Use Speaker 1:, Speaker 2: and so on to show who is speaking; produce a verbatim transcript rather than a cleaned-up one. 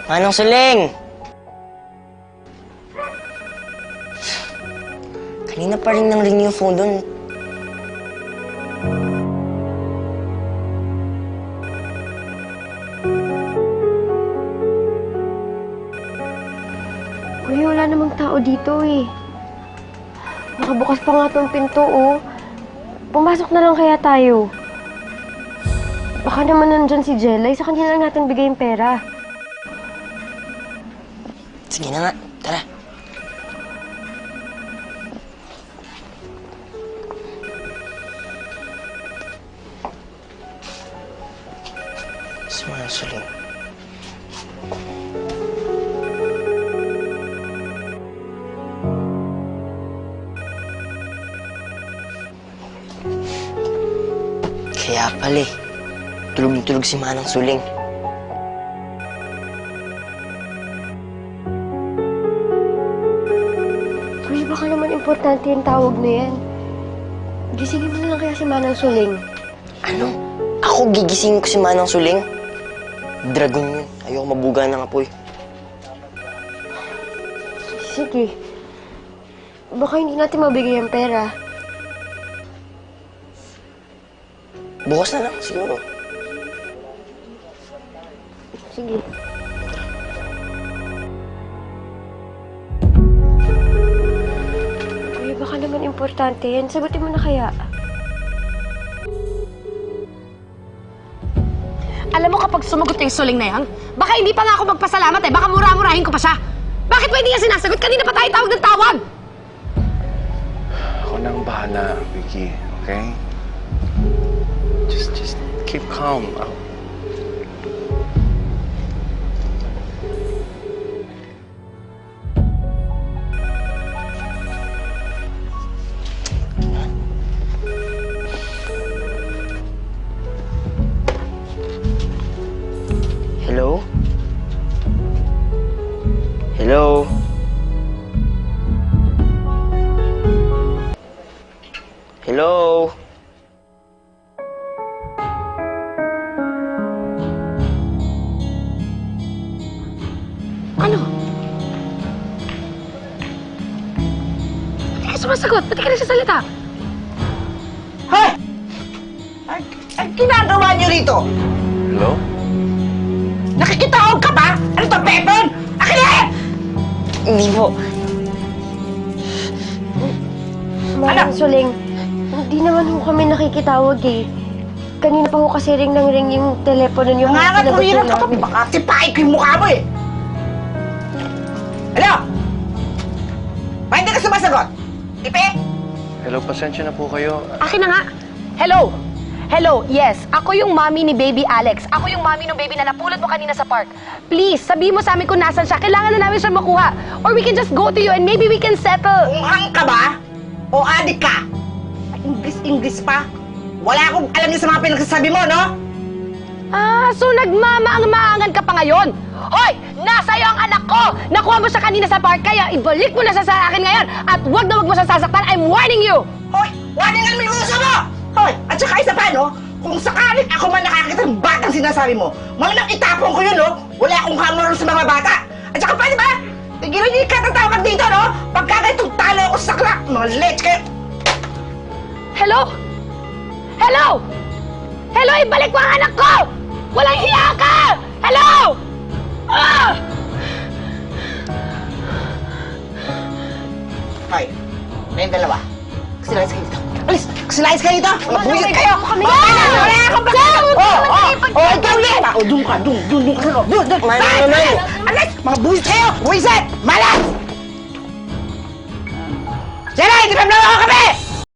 Speaker 1: Manang Suling! Kanina pa rin nang ring yung phone doon.
Speaker 2: Kuya, wala namang tao dito eh. Nakabukas pa nga tong pinto, oh. Pumasok na lang kaya tayo. Baka naman nandyan si Jelay, sa kanya lang natin bigay yung pera.
Speaker 1: Sige na nga, tara. Si Manang Suling. Kaya pala eh, tulog-tulog si Manang Suling.
Speaker 2: Kuya, baka naman importante yung tawag na yan. Gisingin mo na lang kaya si Manang Suling.
Speaker 1: Ano? Ako gigisingin ko si Manang Suling? Dragon yun. Ayoko mabuga ng apoy.
Speaker 2: Sige. Baka hindi natin mabigay ang pera.
Speaker 1: Bukas na lang, siguro.
Speaker 2: Sige. Kuya, baka naman importante yan. Sagutin mo na kaya.
Speaker 3: Alam mo kapag sumagot yung Suling na yan, baka hindi pa nga ako magpasalamat eh. Baka mura-murahin ko pa siya. Bakit ba hindi niya sinasagot? Kanina pa tayo tawag ng tawag.
Speaker 4: Ako na ang bahala, Vicky. Okay? Just, just keep calm.
Speaker 1: Hello? Hello? Hello?
Speaker 3: Ano? Ba't ka sumasagot? Ba't ka nagsasalita?
Speaker 5: Hoy! Ang, ang ginagawa niyo rito?
Speaker 4: Hello?
Speaker 5: Nakikitawag ka ba? Ano to, Pepon? Akin na yan!
Speaker 1: Hindi po.
Speaker 2: Manang Suling, hindi naman ho kami nakikitawag eh. Kanina pa ho kasi ring nang ring yung telepono niyo.
Speaker 5: Mga
Speaker 2: Sinagot
Speaker 5: katulirap
Speaker 2: na
Speaker 5: ka pa,
Speaker 2: namin.
Speaker 5: baka tipain ko yung mukha mo eh! Hello? Bakit hindi ka sumasagot? Ipe?
Speaker 4: Hello, pasensya na po kayo.
Speaker 3: Akin na nga. Hello? Hello, yes. Ako yung mommy ni baby Alex. Ako yung mommy ng baby na napulot mo kanina sa park. Please, sabihin mo sa amin kung nasan siya. Kailangan na namin siya makuha. Or we can just go to you and maybe we can settle.
Speaker 5: Unghang ka ba? O adik ka? English-English pa? Wala akong alam niyo sa mga pinagsasabi mo, no?
Speaker 3: Ah, so nagmamaang-maangan ka pa ngayon? Hoy! Nasa iyo ang anak ko! Nakuha mo siya kanina sa park, kaya ibalik mo na siya sa akin ngayon at wag na wag mo siya sasaktan. I'm warning you!
Speaker 5: Hoy! Warning ang may uso mo! Hoy! At saka isa pa, no? Kung sakaling ako man nakakita ng batang sinasabi mo, malamang itapon ko yun, no? Wala akong hamon sa mga bata. At saka pwede ba? Tigilan niyo yung katatawag dito, no? Pagka ganitong talo ako sa sakla, mga lech kayo.
Speaker 3: Hello? Hello? Hello, ibalik mo ang anak ko! Walang hiya ka! Hello! Ah!
Speaker 5: Hoy, kayong dalawa. Kasilayas kayo dito. Alis! Kasilayas kayo dito! Mga buwisit kayo!
Speaker 3: kami.
Speaker 5: Mga kailan! Wala akong
Speaker 3: Sir,
Speaker 5: bakit!
Speaker 3: huwag
Speaker 5: Oh,
Speaker 3: naman
Speaker 5: oh!
Speaker 3: kayo pag-
Speaker 5: Oh, ikaw din! O, doon ka! Doon! Doon! Doon! Doon! Doon! Doon!
Speaker 1: Manang
Speaker 5: Bakit?
Speaker 1: naman!
Speaker 5: Alis! Mga buwisit kayo! Buwisit! Malas! Jelay! Di ba naman ako kami?